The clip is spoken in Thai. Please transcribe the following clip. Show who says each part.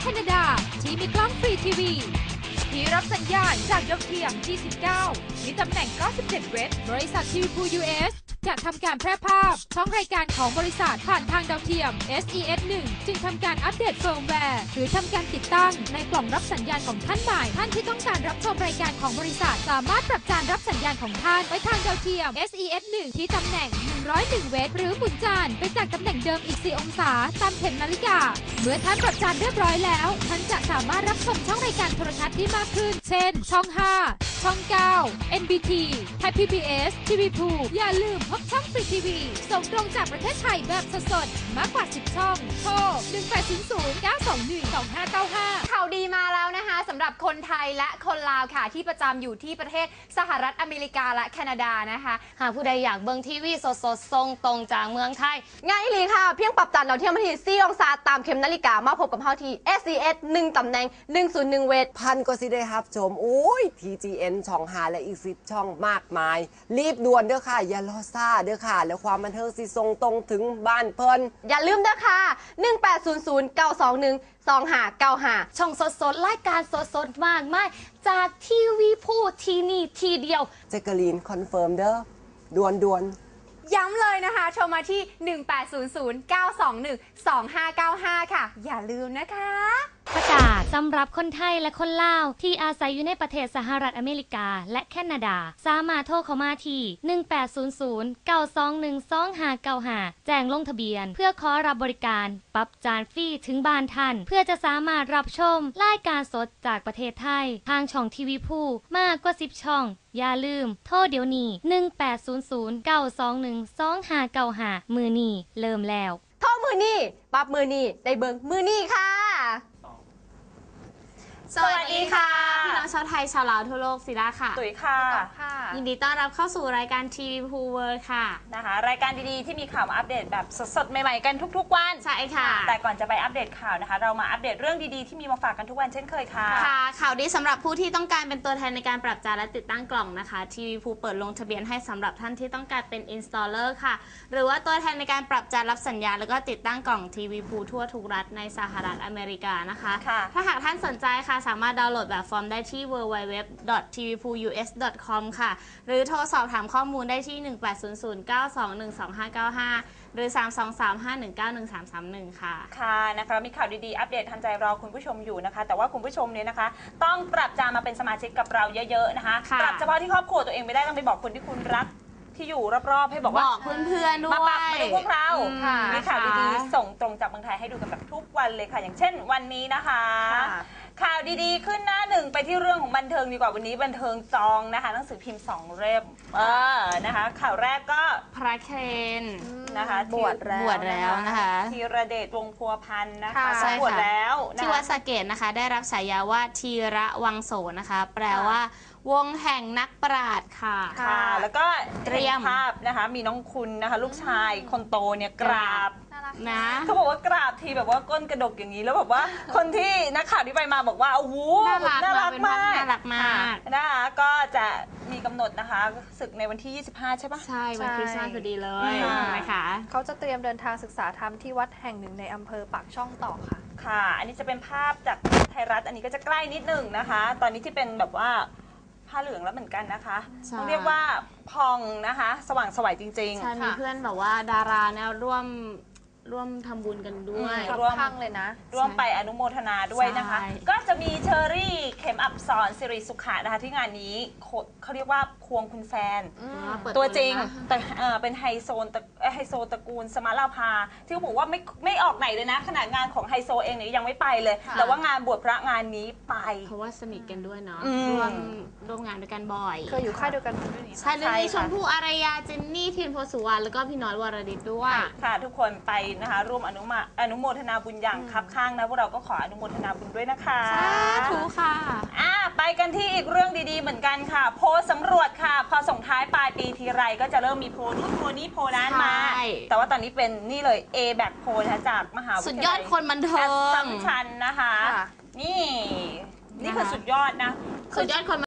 Speaker 1: คนาดาที่มีกล้องฟรีทีวีที่รับสัญญาณจากดาวเทียม G19 มีตำแหน่ง 97 เวทบริษัททีวีพู US จะทำการแพร่ภาพช่องรายการของบริษัทผ่านทางดาวเทียม SES1 จึงทำการอัปเดตเฟิร์มแวร์หรือทำการติดตั้งในกล่องรับสัญญาณของท่านใหม่ท่านที่ต้องการรับชมรายการของบริษัทสามารถปรับจานรับสัญญาณของท่านไว้ทางดาวเทียม SES1 ที่ตำแหน่ง 101 เวทหรือหมุนจานไปจากตำแหน่งเดิมอีก 4 องศาตามเข็มนาฬิกาเมื่อท่านปรับจานเรียบร้อยแล้วท่านจะสามารถรับชมช่องรายการโทรทัศน์ได้มากขึ้นเช่นช่อง 5 ช่อง 9 NBT ไทย PBS ทีวีพูอย่าลืมพบช่องฟรีทีวีส่งตรงจากประเทศไทยแบบสดๆมากกว่า 10 ช่องโทร 1800-921-2595
Speaker 2: ข่าวดีมาแล้วนะคะสำหรับคนไทยและคนลาวค่ะที่ประจำอยู่ที่ประเทศสหรัฐอเมริกาและแคนาดานะคะหากผู้ใดอยากเบิ่งทีวีสดๆส่งตรงจากเมืองไทยง่ายเลยค่ะเพียงปรับจานเราเที่ยวมาที่4 องศาตามเข็มนาฬิกามาพบกับเฮาที่ SES 1ตำแหน่ง 101 เวท
Speaker 3: พันก็สิได้ครับชมโอ้ย TGN ช่อง5และอีก10ช่องมากมายรีบด่วนเด้อค่ะอย่ารอซ่าเด้อค่ะแล้วความบันเทิงสิส่งตรงถึงบ้านเพิ่น
Speaker 2: อย่าลืมนะคะ1800-921-2595ช่องสดๆรายการสดๆมากมายจากทีวีพูที่นี่ทีเดียว
Speaker 3: แจ็คเกอรีนคอนเฟิร์มเด้อด่วน
Speaker 2: ย้ำเลยนะคะโทรมาที่ 1800-921-2595 ค่ะอย่าลืมนะคะ
Speaker 1: ประกาศสำหรับคนไทยและคนลาวที่อาศัยอยู่ในประเทศสหรัฐอเมริกาและแคนาดาสามารถโทรเข้ามาที่ 1800-921-2595 แจ้งลงทะเบียนเพื่อขอรับบริการปรับจานฟรีถึงบ้านท่านเพื่อจะสามารถรับชมรายการสดจากประเทศไทยทางช่องทีวีพูมากกว่า10ช่องอย่าลืมโทรเดี๋ยวนี้ 1800-921-2595 มือนี้เริ่มแล้ว
Speaker 2: โทรมือนี้ปรับมือนี้ได้เบิ่งมือนี้ค่ะสวัสดีค่ะพี่น้องชาวไทยชาวลาวทั่วโลกศิลาค่ะ
Speaker 4: ตุ๋ยค่ะ
Speaker 2: ยินดีต้อนรับเข้าสู่รายการทีวีพูเวิร์ค่ะ
Speaker 4: นะคะรายการดีๆที่มีข่าวมาอัปเดตแบบสดๆใหม่ๆกันทุกๆวัน
Speaker 2: ใช่ค่ะ
Speaker 4: แต่ก่อนจะไปอัปเดตข่าวนะคะเรามาอัปเดตเรื่องดีๆที่มีมาฝากกันทุกวันเช่นเคยค่ะ
Speaker 2: ค่ะข่าวดีสำหรับผู้ที่ต้องการเป็นตัวแทนในการปรับจานและติดตั้งกล่องนะคะทีวีพูเปิดลงทะเบียนให้สำหรับท่านที่ต้องการเป็น installer ค่ะหรือว่าตัวแทนในการปรับจานรับสัญญาณแล้วก็ติดตั้งกล่องทีวีพูทั่วทุกรัฐในสหรัฐอเมริกานะคะถ้าหากท่านสนใจค่ะสามารถดาวน์โหลดแบบฟอร์มได้ที่ www.tvpus.com ค่ะหรือโทรสอบถามข้อมูลได้ที่ 1800-921-2595 หรือ 323-519-1331 ค่ะ
Speaker 4: ค่ะนะคะมีข่าวดีๆอัปเดตทันใจรอคุณผู้ชมอยู่นะคะแต่ว่าคุณผู้ชมเนี่ยนะคะต้องปรับจานมาเป็นสมาชิกกับเราเยอะๆนะคะปรับเฉพาะที่ครอบครัวตัวเองไม่ได้ต้องไปบอกคนที่คุณรักที่อยู่รอบๆให้บอกว่า
Speaker 2: เพื่อนๆด้วย
Speaker 4: มาปรับมาดูพวกเรามีข่าวดีๆส่งตรงจากเมืองไทยให้ดูกันแบบทุกวันเลยค่ะอย่างเช่นวันนี้นะคะข่าวดีๆขึ้นหน้าหนึ่งไปที่เรื่องของบันเทิงดีกว่าวันนี้บันเทิงจองนะคะหนังสือพิมพ์2 เล่มนะคะข่าวแรกก็
Speaker 2: พระเคน
Speaker 4: นะคะ
Speaker 2: บวชแล้วนะคะ
Speaker 4: ธีรเดชวงศ์พัวพันธ์นะคะบวชแล้ว
Speaker 2: ที่วัดสะเกษนะคะได้รับฉายาว่าธีระวังโสนะคะแปลว่าวงแห่งนักปราชญ์ค่ะ
Speaker 4: แล้วก็เตรียมภาพนะคะมีน้องคุณนะคะลูกชายคนโตเนี่ยกราบ
Speaker 2: นะ
Speaker 4: เขาบอกว่ากราบทีแบบว่าก้นกระดกอย่างนี้แล้วแบบว่าคนที่นักข่าวที่ไปมาบอกว่าโอ้โหน่ารักมากนะคะก็จะมีกำหนดนะคะศึกในวันที่25ใช่ปะ
Speaker 2: ใช่วันคริสต์มาสพอดีเลยนะคะ
Speaker 5: เขาจะเตรียมเดินทางศึกษาธรรมที่วัดแห่งหนึ่งในอำเภอปากช่องต่อค่ะ
Speaker 4: ค่ะอันนี้จะเป็นภาพจากไทยรัฐอันนี้ก็จะใกล้นิดหนึ่งนะคะตอนนี้ที่เป็นแบบว่าผ้าเหลืองแล้วเหมือนกันนะคะต้องเรียกว่าพองนะคะสว่างสวยจริงๆ
Speaker 2: ใช่มีเพื่อนแบบว่าดาราเนี่ยร่วมทำบุญกันด้วย
Speaker 5: ร่วมพังเลยนะ
Speaker 4: ร่วมไปอนุโมทนาด้วยนะคะก็จะมีเชอรี่เข็มอับสอนสิริสุขะนะคะที่งานนี้เขาเรียกว่าควงคุณแฟนตัวจริงแต่เป็นไฮโซตระกูลสมาลาภาที่เขาบอกว่าไม่ออกไหนเลยนะขนาดงานของไฮโซเองเนี่ยยังไม่ไปเลยแต่ว่างานบวชพระงานนี้ไป
Speaker 2: เพราะว่าสนิทกันด้วยเนาะร่วมงานด้วยกันบ่อย
Speaker 5: เคยอยู่ค่ายเดียวกันด้วย
Speaker 2: ใช่เลยชมพู่อารยาเจนนี่ทินโพสุวรรณแล้วก็พี่น้อยวรดิตด้วย
Speaker 4: ค่ะทุกคนไปนะคะร่วมอนุโมทนาบุญอย่างคับข้างนะพวกเราก็ขออนุโมทนาบุญด้วยนะคะ
Speaker 2: สาธุค่ะ
Speaker 4: ไปกันที่อีกเรื่องดีๆเหมือนกันค่ะโพลสำรวจค่ะพอส่งท้ายปลายปีทีไรก็จะเริ่มมีโพลนู้นโพลนี้โพลนั้นมาแต่ว่าตอนนี้เป็นนี่เลย A back โพลจากมหาวิทยาลัย
Speaker 2: สุดยอดคนบันเทิง
Speaker 4: สัมชัญนะคะนี่คือสุดยอดนะ
Speaker 2: สุดยอดคน